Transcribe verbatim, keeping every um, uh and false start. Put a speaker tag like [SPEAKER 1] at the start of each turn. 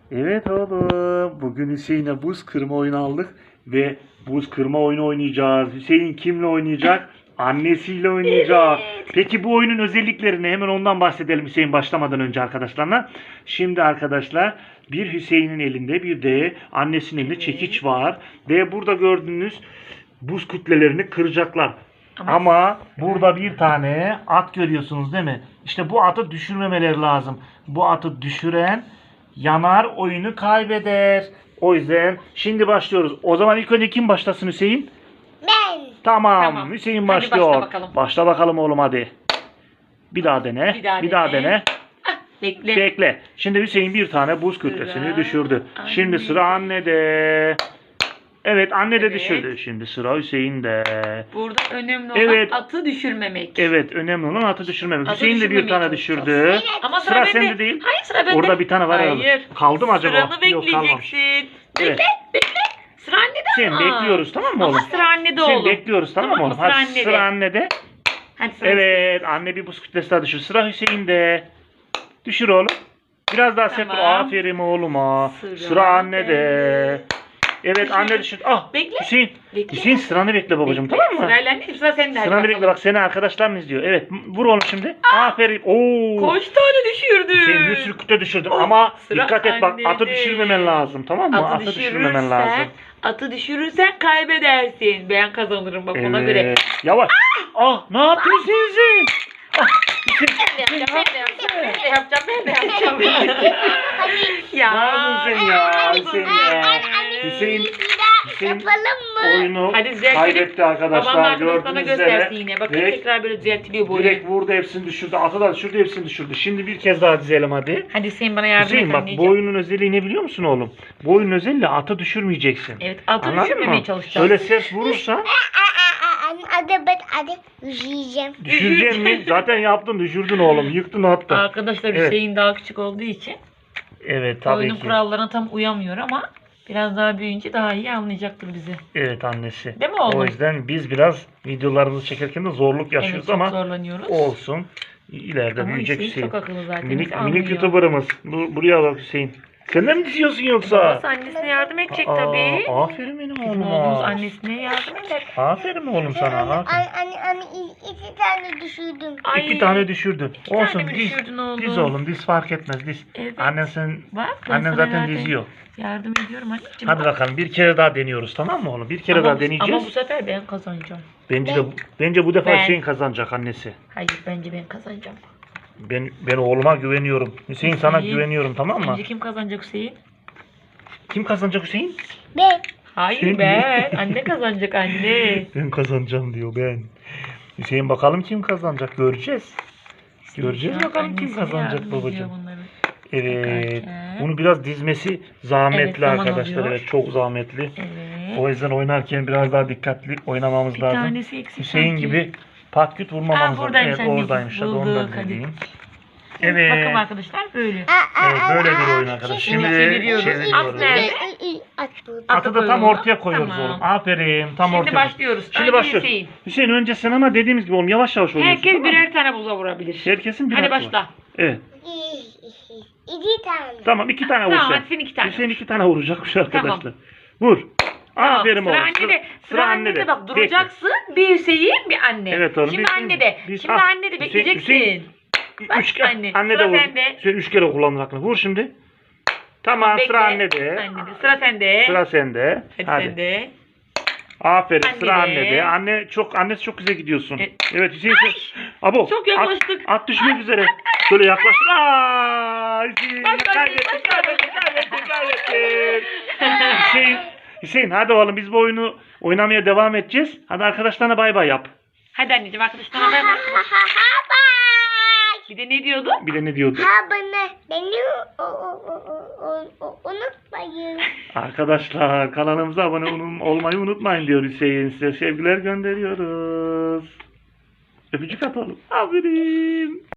[SPEAKER 1] Evet oğlum. Bugün Hüseyin'e buz kırma oyunu aldık ve buz kırma oyunu oynayacağız. Hüseyin kimle oynayacak? Annesiyle oynayacak. Peki bu oyunun özelliklerini hemen ondan bahsedelim Hüseyin başlamadan önce arkadaşlarına. Şimdi arkadaşlar bir Hüseyin'in elinde bir de annesinin elinde çekiç var. Ve burada gördüğünüz buz kütlelerini kıracaklar.
[SPEAKER 2] Ama,
[SPEAKER 1] Ama burada bir tane at görüyorsunuz değil mi? İşte bu atı düşürmemeleri lazım. Bu atı düşüren yanar, oyunu kaybeder. O yüzden şimdi başlıyoruz. O zaman ilk önce kim başlasın Hüseyin?
[SPEAKER 3] Ben.
[SPEAKER 1] Tamam,
[SPEAKER 2] Tamam.
[SPEAKER 1] Hüseyin
[SPEAKER 2] Hadi
[SPEAKER 1] başlıyor.
[SPEAKER 2] başla bakalım.
[SPEAKER 1] Başla bakalım oğlum hadi. Bir daha dene.
[SPEAKER 2] Bir daha
[SPEAKER 1] bir daha
[SPEAKER 2] dene.
[SPEAKER 1] dene.
[SPEAKER 2] Ah, bekle.
[SPEAKER 1] Bekle. Şimdi Hüseyin bir tane buz kütlesini
[SPEAKER 2] Sıra
[SPEAKER 1] düşürdü. Şimdi
[SPEAKER 2] annede.
[SPEAKER 1] sıra annede. Evet anne de
[SPEAKER 2] Evet.
[SPEAKER 1] düşürdü. Şimdi sıra Hüseyin'de.
[SPEAKER 2] Burada önemli olan
[SPEAKER 1] Evet.
[SPEAKER 2] atı düşürmemek.
[SPEAKER 1] Evet önemli olan atı düşürmemek.
[SPEAKER 2] Atı
[SPEAKER 1] Hüseyin de bir
[SPEAKER 2] düşürmemeye
[SPEAKER 1] tane
[SPEAKER 2] çalışacağız.
[SPEAKER 1] düşürdü.
[SPEAKER 2] Ama
[SPEAKER 1] Sıra
[SPEAKER 2] sıra, bende.
[SPEAKER 1] sende değil.
[SPEAKER 2] Hayır sıra bende.
[SPEAKER 1] Orada bir tane var
[SPEAKER 2] Hayır.
[SPEAKER 1] herhalde. Kaldı mı acaba?
[SPEAKER 2] Sıranı
[SPEAKER 1] Yok, kalmamış.
[SPEAKER 2] bekleyeceksin.
[SPEAKER 1] Evet.
[SPEAKER 2] Bekle bekle. Sıra annede
[SPEAKER 1] Hüseyin
[SPEAKER 2] ama.
[SPEAKER 1] bekliyoruz tamam mı oğlum?
[SPEAKER 2] Ama sıra annede
[SPEAKER 1] Hüseyin
[SPEAKER 2] oğlum.
[SPEAKER 1] bekliyoruz tamam mı
[SPEAKER 2] Tamam
[SPEAKER 1] oğlum?
[SPEAKER 2] mı? Sıra
[SPEAKER 1] Hadi
[SPEAKER 2] annede.
[SPEAKER 1] sıra annede.
[SPEAKER 2] Hadi sıra
[SPEAKER 1] Evet anne bir buz kütlesi daha düşür. Sıra Hüseyin'de. Düşür oğlum. Biraz daha sert.
[SPEAKER 2] Tamam.
[SPEAKER 1] Aferin oğluma.
[SPEAKER 2] Sıra
[SPEAKER 1] Sıra annede.
[SPEAKER 2] bende.
[SPEAKER 1] Evet
[SPEAKER 2] Düşür.
[SPEAKER 1] anne düşür. Ah
[SPEAKER 2] Bekle.
[SPEAKER 1] Hüseyin.
[SPEAKER 2] Bekle.
[SPEAKER 1] Hüseyin sıranı bekle babacığım
[SPEAKER 2] Bekle.
[SPEAKER 1] tamam mı?
[SPEAKER 2] Sırayla anneciğim sıra sende. hadi
[SPEAKER 1] Sıranı bekle
[SPEAKER 2] bakalım.
[SPEAKER 1] bak seni arkadaşların izliyor. Evet vur oğlum şimdi. Aferin. Oo.
[SPEAKER 2] Kaç tane düşürdün?
[SPEAKER 1] Hüseyin bir sürü kütle düşürdün
[SPEAKER 2] Oh,
[SPEAKER 1] ama
[SPEAKER 2] sıra
[SPEAKER 1] dikkat et bak
[SPEAKER 2] annede.
[SPEAKER 1] atı düşürmemen lazım tamam mı?
[SPEAKER 2] Atı,
[SPEAKER 1] Atı, düşürmemen lazım.
[SPEAKER 2] Atı düşürürsen kaybedersin. Ben kazanırım bak ona göre.
[SPEAKER 1] Evet. Yavaş. Ah ne yapıyorsun Hüseyin? Ah Hüseyin.
[SPEAKER 2] Ben de yapacağım, ben de yapacağım, ben de yapacağım. Ya.
[SPEAKER 1] Ne yapıyorsun sen ya Hüseyin ya? Hüseyin, Hüseyin
[SPEAKER 3] Yapalım mı?
[SPEAKER 1] oyunu
[SPEAKER 2] Hadi düzeltelim.
[SPEAKER 1] kaybetti
[SPEAKER 2] Babam
[SPEAKER 1] arkadaşlar
[SPEAKER 2] arkadaşlarına
[SPEAKER 1] gördüğünüz
[SPEAKER 2] göstersin
[SPEAKER 1] üzere.
[SPEAKER 2] yine. Bakın
[SPEAKER 1] Direkt,
[SPEAKER 2] tekrar böyle düzeltiliyor bu oyun.
[SPEAKER 1] direkt vurdu hepsini düşürdü. Atı da düşürdü hepsini düşürdü. Şimdi bir kez daha dizelim hadi.
[SPEAKER 2] Hadi Hüseyin bana yardım
[SPEAKER 1] Hüseyin
[SPEAKER 2] et
[SPEAKER 1] bak bu
[SPEAKER 2] anneciğim.
[SPEAKER 1] oyunun özelliği ne biliyor musun oğlum? Bu oyunun özelliği atı düşürmeyeceksin.
[SPEAKER 2] Evet atı
[SPEAKER 1] Anladın
[SPEAKER 2] düşürmemeye
[SPEAKER 1] mı?
[SPEAKER 2] çalışacağız.
[SPEAKER 1] Öyle ses vurursan
[SPEAKER 3] Aa, aa, aa, Hadi ben hadi yiyeceğim.
[SPEAKER 1] düşüreceksin mi? Zaten yaptın düşürdün oğlum. Yıktın attın.
[SPEAKER 2] Arkadaşlar
[SPEAKER 1] Evet.
[SPEAKER 2] Hüseyin daha küçük olduğu için
[SPEAKER 1] Evet tabii
[SPEAKER 2] oyunun
[SPEAKER 1] ki.
[SPEAKER 2] kurallarına tam uyamıyor ama biraz daha büyüyünce daha iyi anlayacaktır bizi.
[SPEAKER 1] Evet annesi.
[SPEAKER 2] Değil mi oğlum?
[SPEAKER 1] O yüzden biz biraz videolarımızı çekerken de zorluk
[SPEAKER 2] Evet
[SPEAKER 1] yaşıyoruz
[SPEAKER 2] çok
[SPEAKER 1] ama
[SPEAKER 2] zorlanıyoruz.
[SPEAKER 1] olsun. İleride
[SPEAKER 2] Ama
[SPEAKER 1] büyüyecek
[SPEAKER 2] Hüseyin
[SPEAKER 1] Hüseyin.
[SPEAKER 2] çok akıllı zaten.
[SPEAKER 1] Minik,
[SPEAKER 2] bizi anlıyor.
[SPEAKER 1] minik YouTuber'ımız. Bu- Buraya bak Hüseyin. Sen de mi diziyorsun yoksa?
[SPEAKER 2] Babası annesine yardım edecek
[SPEAKER 1] Aa,
[SPEAKER 2] tabii.
[SPEAKER 1] Aferin benim
[SPEAKER 2] Bizim oğlumuz
[SPEAKER 1] oğluma.
[SPEAKER 2] annesine yardım eder.
[SPEAKER 1] Aferin oğlum sana.
[SPEAKER 3] Anne,
[SPEAKER 1] Aferin.
[SPEAKER 3] anne, anne, i- iki tane düşürdüm.
[SPEAKER 2] Ay,
[SPEAKER 1] İki tane düşürdün.
[SPEAKER 2] iki tane
[SPEAKER 1] Olsun
[SPEAKER 2] mi
[SPEAKER 1] diz.
[SPEAKER 2] düşürdün oğlum?
[SPEAKER 1] Diz oğlum diz fark etmez diz.
[SPEAKER 2] Evet.
[SPEAKER 1] Annen sen
[SPEAKER 2] Bak, ben
[SPEAKER 1] annen
[SPEAKER 2] sana
[SPEAKER 1] zaten
[SPEAKER 2] yardım-
[SPEAKER 1] diziyor.
[SPEAKER 2] Yardım ediyorum anneciğim.
[SPEAKER 1] Hadi
[SPEAKER 2] bak.
[SPEAKER 1] bakalım bir kere daha deniyoruz tamam mı oğlum? Bir kere
[SPEAKER 2] Ama
[SPEAKER 1] daha
[SPEAKER 2] bu-
[SPEAKER 1] deneyeceğiz.
[SPEAKER 2] Ama bu sefer ben kazanacağım.
[SPEAKER 1] Bence de bence bu defa
[SPEAKER 2] Ben-
[SPEAKER 1] Hüseyin kazanacak annesi.
[SPEAKER 2] Hayır bence ben kazanacağım.
[SPEAKER 1] Ben ben oğluma güveniyorum. Hüseyin sana
[SPEAKER 2] Hüseyin,
[SPEAKER 1] güveniyorum tamam mı?
[SPEAKER 2] Sence kim kazanacak Hüseyin?
[SPEAKER 1] Kim kazanacak Hüseyin?
[SPEAKER 3] Ben.
[SPEAKER 2] Hayır
[SPEAKER 1] Sen
[SPEAKER 2] ben.
[SPEAKER 1] mi?
[SPEAKER 2] Anne kazanacak anne.
[SPEAKER 1] Ben kazanacağım diyor ben. Hüseyin bakalım kim kazanacak göreceğiz. Göreceğiz
[SPEAKER 2] Şu an
[SPEAKER 1] bakalım kim
[SPEAKER 2] annesine
[SPEAKER 1] kazanacak
[SPEAKER 2] yardım ediyor
[SPEAKER 1] babacığım.
[SPEAKER 2] bunları.
[SPEAKER 1] Evet.
[SPEAKER 2] Bakarken.
[SPEAKER 1] Bunu biraz dizmesi zahmetli
[SPEAKER 2] Evet, zaman
[SPEAKER 1] arkadaşlar.
[SPEAKER 2] alıyor.
[SPEAKER 1] Evet çok zahmetli.
[SPEAKER 2] Evet.
[SPEAKER 1] O yüzden oynarken biraz daha dikkatli oynamamız
[SPEAKER 2] Bir
[SPEAKER 1] lazım.
[SPEAKER 2] tanesi eksik
[SPEAKER 1] Hüseyin
[SPEAKER 2] sanki.
[SPEAKER 1] gibi patküt vurmamamız
[SPEAKER 2] Aa,
[SPEAKER 1] lazım.
[SPEAKER 2] buradaymış
[SPEAKER 1] Evet
[SPEAKER 2] anne.
[SPEAKER 1] oradaymış. Hadi onu da
[SPEAKER 2] Bulduk, hadi.
[SPEAKER 1] vereyim.
[SPEAKER 2] Evet.
[SPEAKER 1] Evet.
[SPEAKER 2] Bakın arkadaşlar böyle.
[SPEAKER 3] Aa, aa,
[SPEAKER 1] Evet böyle
[SPEAKER 3] aa,
[SPEAKER 1] bir
[SPEAKER 3] aa,
[SPEAKER 1] oyun arkadaşlar.
[SPEAKER 3] şimdi
[SPEAKER 1] Şimdi
[SPEAKER 2] çeviriyoruz.
[SPEAKER 1] çeviriyoruz.
[SPEAKER 2] At nerede?
[SPEAKER 3] Ü- ü- ü- At burada.
[SPEAKER 1] Atı da tam
[SPEAKER 2] koyalım.
[SPEAKER 1] ortaya koyuyoruz
[SPEAKER 2] Tamam.
[SPEAKER 1] oğlum. Aferin. Tam
[SPEAKER 2] Şimdi
[SPEAKER 1] ortaya.
[SPEAKER 2] başlıyoruz.
[SPEAKER 1] Şimdi
[SPEAKER 2] Önce
[SPEAKER 1] başlıyoruz.
[SPEAKER 2] Hüseyin.
[SPEAKER 1] Hüseyin önce sen ama dediğimiz gibi oğlum yavaş yavaş oynuyorsun.
[SPEAKER 2] Herkes
[SPEAKER 1] tamam mı?
[SPEAKER 2] birer tane buza vurabilir.
[SPEAKER 1] Herkesin bir
[SPEAKER 2] Hadi
[SPEAKER 1] hakkı var.
[SPEAKER 2] başla.
[SPEAKER 1] Evet.
[SPEAKER 3] İki tane.
[SPEAKER 1] Tamam iki tane vur
[SPEAKER 2] Tamam
[SPEAKER 1] sen.
[SPEAKER 2] hadi sen iki tane.
[SPEAKER 1] Hüseyin iki tane vuracakmış arkadaşlar.
[SPEAKER 2] Tamam.
[SPEAKER 1] Vur.
[SPEAKER 2] Tamam,
[SPEAKER 1] Aferin
[SPEAKER 2] sıra
[SPEAKER 1] oğlum.
[SPEAKER 2] annede. Sıra, annede. Bak
[SPEAKER 1] Bekle.
[SPEAKER 2] duracaksın. Bir Hüseyin bir anne.
[SPEAKER 1] Evet oğlum,
[SPEAKER 2] Şimdi
[SPEAKER 1] bir-
[SPEAKER 2] annede.
[SPEAKER 1] bir-
[SPEAKER 2] Şimdi
[SPEAKER 1] Ah,
[SPEAKER 2] annede
[SPEAKER 1] Hüseyin-
[SPEAKER 2] bekleyeceksin.
[SPEAKER 1] Hüseyin-
[SPEAKER 2] Bak
[SPEAKER 1] Üç kere.
[SPEAKER 2] anne,
[SPEAKER 1] Anne
[SPEAKER 2] sıra
[SPEAKER 1] de vur.
[SPEAKER 2] sende.
[SPEAKER 1] Hüseyin üç kere kullandın aklını. Vur şimdi. Tamam
[SPEAKER 2] Bekle.
[SPEAKER 1] sıra annede.
[SPEAKER 2] Annede. Sıra sende.
[SPEAKER 1] Sıra sende.
[SPEAKER 2] Hadi,
[SPEAKER 1] Hadi.
[SPEAKER 2] sende.
[SPEAKER 1] Aferin sıra
[SPEAKER 2] Annede.
[SPEAKER 1] annede. Anne çok annesi çok güzel gidiyorsun.
[SPEAKER 2] E-
[SPEAKER 1] Evet Hüseyin sen. Abo.
[SPEAKER 2] Çok yaklaştık.
[SPEAKER 1] At, at düşmek üzere. Şöyle yaklaş. Aa, Hüseyin
[SPEAKER 2] Başla,
[SPEAKER 1] kaybettin,
[SPEAKER 2] başla.
[SPEAKER 1] kaybettin, kaybettin, kaybettin. Hüseyin, Hüseyin hadi oğlum biz bu oyunu oynamaya devam edeceğiz. Hadi arkadaşlarına bay bay yap.
[SPEAKER 2] Hadi anneciğim arkadaşlarına bay bay.
[SPEAKER 3] Ha ha ha bye.
[SPEAKER 2] Bir de ne diyordu?
[SPEAKER 1] Bir de ne diyordu?
[SPEAKER 3] Ha bana beni o- o- o- o- o- unutmayın.
[SPEAKER 1] Arkadaşlar kanalımıza abone olun- olmayı unutmayın diyor Hüseyin. Size sevgiler gönderiyoruz. Öpücük atalım. Aferin.